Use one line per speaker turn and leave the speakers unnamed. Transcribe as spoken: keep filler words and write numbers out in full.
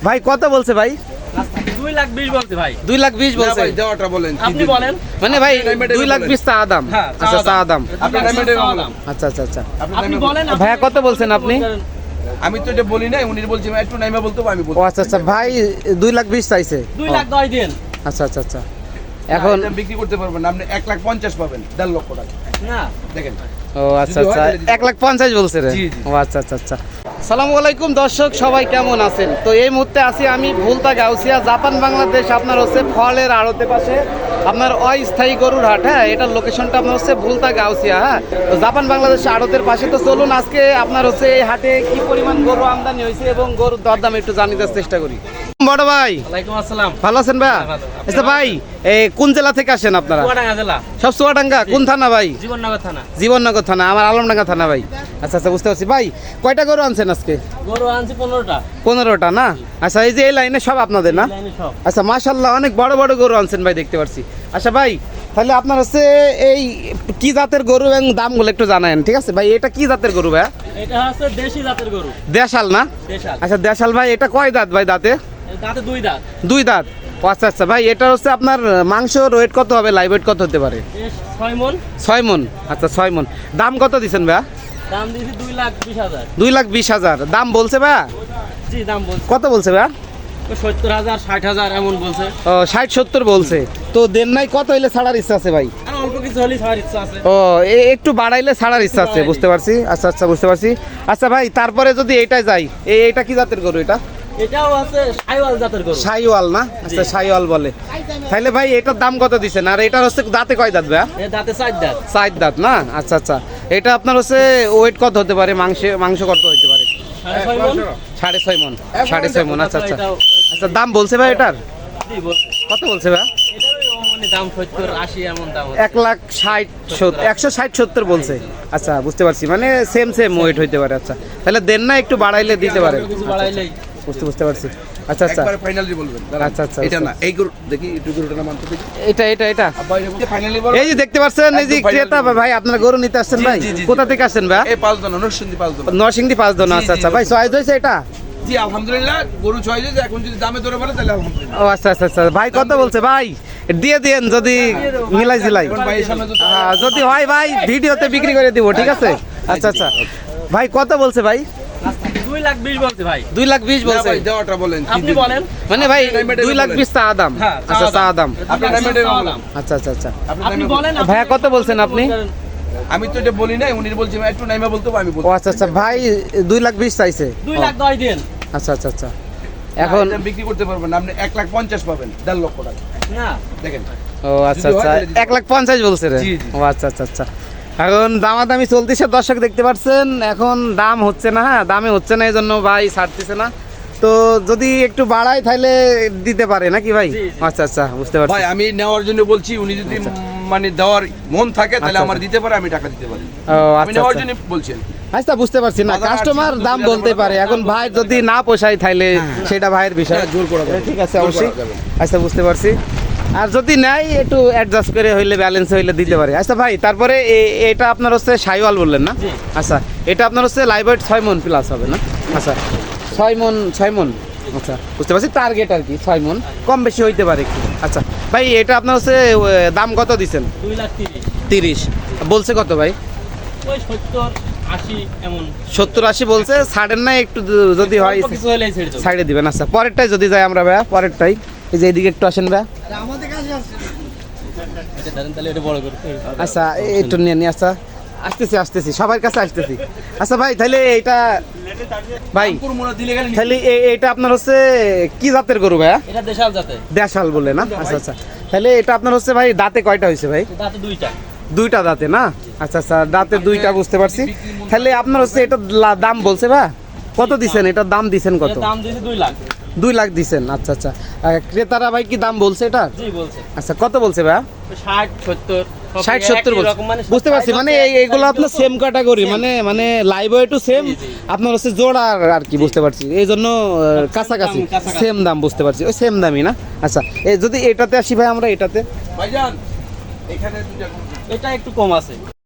ভাই কত বলছে ভাই?
দুই লাখ বিশ বলছে ভাই।
দুই লাখ বিশ বলছে।
ভাই দেওয়াটা বলেন,
আপনি বলেন।
মানে ভাই দুই লাখ বিশ চা দাম।
হ্যাঁ,
আচ্ছা চা দাম।
আপনি ডায়মন্ডের দাম।
আচ্ছা আচ্ছা আচ্ছা।
আপনি বলেন।
ভাইয়া কত বলছেন আপনি?
আমি তো এটা বলি নাই, উনি বলছি একটু নাইমা বলতে আমি
ও
বলবো।
আচ্ছা আচ্ছা ভাই দুই লাখ বিশ চাইছে।
দুই লাখ দশ দিন।
আচ্ছা আচ্ছা আচ্ছা। এখন
এখন বিক্রি করতে পারবেন না, আপনি এক লাখ পঞ্চাশ পাবেন, দেড় লক্ষ টাকা।
না
দেখেন
ও আচ্ছা আচ্ছা এক লাখ পঞ্চাশ বলছে রে।
জি, জি।
ও আচ্ছা আচ্ছা আচ্ছা। সালামু আলাইকুম দর্শক, সবাই কেমন আছেন? তো এই মুহূর্তে আছি আমি ভুলতা গাউসিয়া, জাপান বাংলাদেশ। আপনার হচ্ছে ফলের আড়তে পাশে আপনার অস্থায়ী গরুর হাট। হ্যাঁ, এটার লোকেশনটা আপনার হচ্ছে ভুলতা গাউসিয়া। হ্যাঁ, তো জাপান বাংলাদেশ আড়তের পাশে। তো চলুন আজকে আপনার হচ্ছে এই হাটে কি পরিমাণ গরু আমদানি হয়েছে এবং গরুর দরদাম একটু জানিয়ে চেষ্টা করি। বড় ভাই
ওয়ালাইকুম আসসালাম।
ভালো আছেন ভাই? আচ্ছা ভাই এই কোন জেলা থেকে আসেন আপনারা?
চুয়াডাঙ্গা জেলা।
সব চুয়াডাঙ্গা? কোন থানা ভাই?
জীবননগর থানা।
জীবননগর থানা। আমার আলমডাঙ্গা থানা ভাই। আচ্ছা আচ্ছা বুঝতে পারছি। ভাই কয়টা গরু আনছেন আজকে?
গরু আনছি পনেরোটা।
পনেরোটা না? আচ্ছা এই যে এই লাইনে সব আপনাদের না?
লাইনে সব।
আচ্ছা মাশাল্লাহ অনেক বড় বড় গরু আনছেন ভাই, দেখতে পাচ্ছি। আচ্ছা ভাই তাহলে আপনার হচ্ছে এই কি জাতের গরু এবং দামগুলো একটু জানায়েন, ঠিক আছে ভাই? এটা কি জাতের গরু ভাই?
এটা হচ্ছে দেশি জাতের গরু।
দেশাল না?
দেশাল।
আচ্ছা দেশাল ভাই। এটা কয় দাঁত ভাই? দাঁতে
দাঁতে দুই দাঁত।
দুই দাঁত। ও আচ্ছা আচ্ছা ভাই এটা হচ্ছে আপনার মাংস ওয়েট কত হবে? লাইভ ওয়েট কত হতে পারে?
বেশ ছয় মন।
ছয় মন। আচ্ছা ছয় মন। দাম কত দিচ্ছেন ভাই?
দাম দিয়েছি দুই লাখ বিশ হাজার।
দুই লাখ বিশ হাজার দাম বলছে ভাই?
জি দাম বলছে।
কত বলছে ভাই?
সত্তর হাজার ষাট হাজার এমন বলছে।
ও ষাট সত্তর বলছে। তো দেন নাই কত হইলে ছাড়ার ইচ্ছা আছে ভাই?
আর অল্প কিছু হলেই ছাড়ার ইচ্ছা আছে।
ও এ- একটু বাড়াইলে ছাড়ার ইচ্ছা আছে, বুঝতে পারছি। আচ্ছা আচ্ছা বুঝতে পারছি। আচ্ছা ভাই তারপরে যদি এইটাই যাই, এই এটা কি জাতের গরু? এটা
এটাও আছে সাইওয়াল জাতের গরু।
সাইওয়াল না? আচ্ছা সাইওয়াল বলে। তাহলে ভাই এটার দাম কত দিচ্ছেন? আর এটা হচ্ছে দাঁতে কয় দাঁত ভাই?
এ দাঁতে চার দাঁত।
চার দাঁত না? আচ্ছা আচ্ছা। এটা আপনার হচ্ছে ওয়েট কত হতে পারে? মাংস মাংস কত হতে পারে?
সাড়ে ছয় মন।
সাড়ে ছয় মন। সাড়ে ছয় মন। আচ্ছা আচ্ছা।
এটাও-
আচ্ছা দাম বলছে ভাই এটার?
জি বলছে।
কত বলছে ভাই?
এটারও মানে দাম সত্তর আশি এমন দাম হচ্ছে।
এক লাখ ষাট সত্তর একশো ষাট সত্তর বলছে। আচ্ছা বুঝতে পারছি, মানে সেম সেম ওয়েট হইতে পারে। আচ্ছা তাহলে দেন না একটু বাড়াইলে দিতে পারে।
কিছু বাড়াইলেই।
বুঝতে বুঝতে পারছি। আচ্ছা আচ্ছা
একবারে ফাইনালি বলবেন।
আচ্ছা, আচ্ছা,
এটা
আচ্ছা।
না, এই গরু দেখি একটু গরুটা না মানতে দেখি।
এটা এটা এটা
আব্বা এটা ফাইনালি বল।
এই যে দেখতে পাচ্ছেন এই যে
একদম final
ক্রেতা ভাই, আপনার গরু নিতে আসছেন
জি,
ভাই?
জি, জি, জি।
কোথা থেকে আসছেন ভাই?
এই পাঁচ দনা নরসিংদী পাঁচ দনা।
নরসিংদী পাঁচ দোনা।
জি,
আচ্ছা
জি,
আচ্ছা ভাই চয়েস হয়েছে এটা?
জি আলহামদুলিল্লাহ, গরু ছয় হয়েছে, এখন যদি দামে ধরে বলে তাহলে আলহামদুলিল্লাহ।
ও আচ্ছা আচ্ছা আচ্ছা। ভাই কত বলছে ভাই? দিয়ে দেন যদি মিলাই জিলাই।
এখন ভাইয়ের সামনে তো
আহ, যদি হয় ভাই ভিডিওতে বিক্রি করে দিব, ঠিক আছে? আচ্ছা আচ্ছা ভাই কত বলছে ভাই?
দুই লাখ বিশ বলছে ভাই।
দুই লাখ বিশ
না
বলছে।
ভাই দেওয়াটা বলেন।
আপনি বলেন।
মানে ভাই
ডায়মন্ডের
দুই লাখ
বলেন।
বিশ চা দাম।
হ্যাঁ, চা
আচ্ছা চা
দাম।
দাম।
আপনি ডায়মন্ডের
চা
বলেন।
দাম।
আচ্ছা আচ্ছা আচ্ছা।
আপনি বলেন।
ভাইয়া কত বলছেন আপনি?
আমি তো এটা বলি নাই, উনি বলছি একটু নাইমা বলতে আমি
ও
বলবো।
আচ্ছা আচ্ছা ভাই দুই লাখ বিশ চাইছে।
দুই লাখ দশ দিন।
আচ্ছা আচ্ছা আচ্ছা। এখন
এটা বিক্রি করতে পারবেন না, আপনি এক লাখ পঞ্চাশ পাবেন, দেড় লক্ষ টাকা।
না
দেখেন
ও আচ্ছা
যদি হয়
আচ্ছা
তাহলে দিতে
এক লাখ পঞ্চাশ বলছে রে।
জি, জি।
ও আচ্ছা আচ্ছা আচ্ছা। এখন দামাদামি চলতেছে দর্শক, দেখতে পাচ্ছেন। এখন দাম হচ্ছে না, হ্যাঁ দামে হচ্ছে না, এই জন্য ভাই ছাড়তেছে না। তো যদি একটু বাড়ায় তাহলে দিতে পারে নাকি ভাই?
জি, জি।
আচ্ছা আচ্ছা বুঝতে পারছি।
ভাই আমি নেওয়ার জন্য বলছি, উনি যদি মানে দেওয়ার মন থাকে তাহলে
আচ্ছা,
আমার
আচ্ছা।
দিতে পারে, আমি টাকা দিতে পারি।
ও
আমি
আচ্ছা
নেওয়ার
আচ্ছা।
জন্য বলছেন।
আচ্ছা বুঝতে পারছি না,
বাজার
কাস্টমার
আটশো
দাম
টাকা
বলতে
বড়
পারে।
বড়
এখন ভাই যদি না পোষায় তাহলে সেটা ভাইয়ের বিষয়।
হ্যাঁ, জোর করা যাবে।
ঠিক আছে
জোর করা
অবশ্যই।
যাবে।
আচ্ছা বুঝতে পারছি। আর যদি নেয় একটু অ্যাডজাস্ট করে হইলে, ব্যালেন্স হইলে দিতে পারে। আচ্ছা ভাই তারপরে এ- এটা আপনার হচ্ছে সাইওয়াল বললেন না?
জি।
আচ্ছা এটা আপনার হচ্ছে লাইভ ওয়েট ছয় মন প্লাস হবে না? আচ্ছা ছয় মন ছয় মন। আচ্ছা বুঝতে পারছি, টার্গেট আর কি ছয় মন, কম বেশি হইতে পারে একটু। আচ্ছা ভাই এটা আপনার হচ্ছে এ, দাম কত দিচ্ছেন?
দুই লাখ তিরিশ।
তিরিশ বলছে কত ভাই?
ওই সত্তর আশি এমন।
সত্তর আশি বলছে। ছাড়েন না একটু দ- যদি হয়
অল্প কিছু হলেই ছেড়ে দেবো।
সাইডে দিবেন। আচ্ছা পরেরটাই যদি যাই আমরা ভাইয়া, পরেরটাই এই যে এইদিকে একটু আসেন ভাইয়া।
এটা ধরেন তাহলে এটা বড় করে।
আচ্ছা এ- একটু নিয়ে নিয়ে আচ্ছা আসতেছি আসতেছি সবার কাছে আসতেছি। আচ্ছা ভাই তাহলে এইটা ভাই
পুরো মনে দিলে গেলে
তাহলে এ- এইটা আপনার হচ্ছে কি জাতের গরু ভাইয়া?
এটা দেশাল জাতের।
দেশাল বলে না? আচ্ছা আচ্ছা। তাহলে এটা আপনার হচ্ছে ভাই দাঁতে কয়টা হয়েছে ভাই?
দাঁতে দুইটা।
দুইটা দাঁতে না? আচ্ছা আচ্ছা দাঁতে দুইটা, বুঝতে পারছি। তাহলে আপনার হচ্ছে এটা লা- দাম বলছে ভাই কত দিছেন? এটার দাম দিছেন কত?
এর দাম দিয়েছি দুই লাখ।
দুই লাখ দিছেন। আচ্ছা আচ্ছা। আর ক্রেতারা ভাই কি দাম বলছে এটা?
জি বলছে।
আচ্ছা কত বলছে ভাই?
ষাট সত্তর।
ষাট সত্তর বলছে। বুঝতে পারছি, মানে এই- এইগুলো আপনার সেম ক্যাটাগরি, মানে মানে লাইভ ওয়েটও সেম,
জি, জি।
আপনার হচ্ছে জোড়া আর- আর কি, বুঝতে পারছি। এই জন্য আহ, কাছাকাছি
দাম, কাছাকাছি।
সেম দাম, বুঝতে পারছি ওই সেম দামই না? আচ্ছা এই যদি এটাতে আসি ভাই আমরা, এটাতে
ভাইজান এখানে দুইটা গরু।
এটা একটু কম আছে।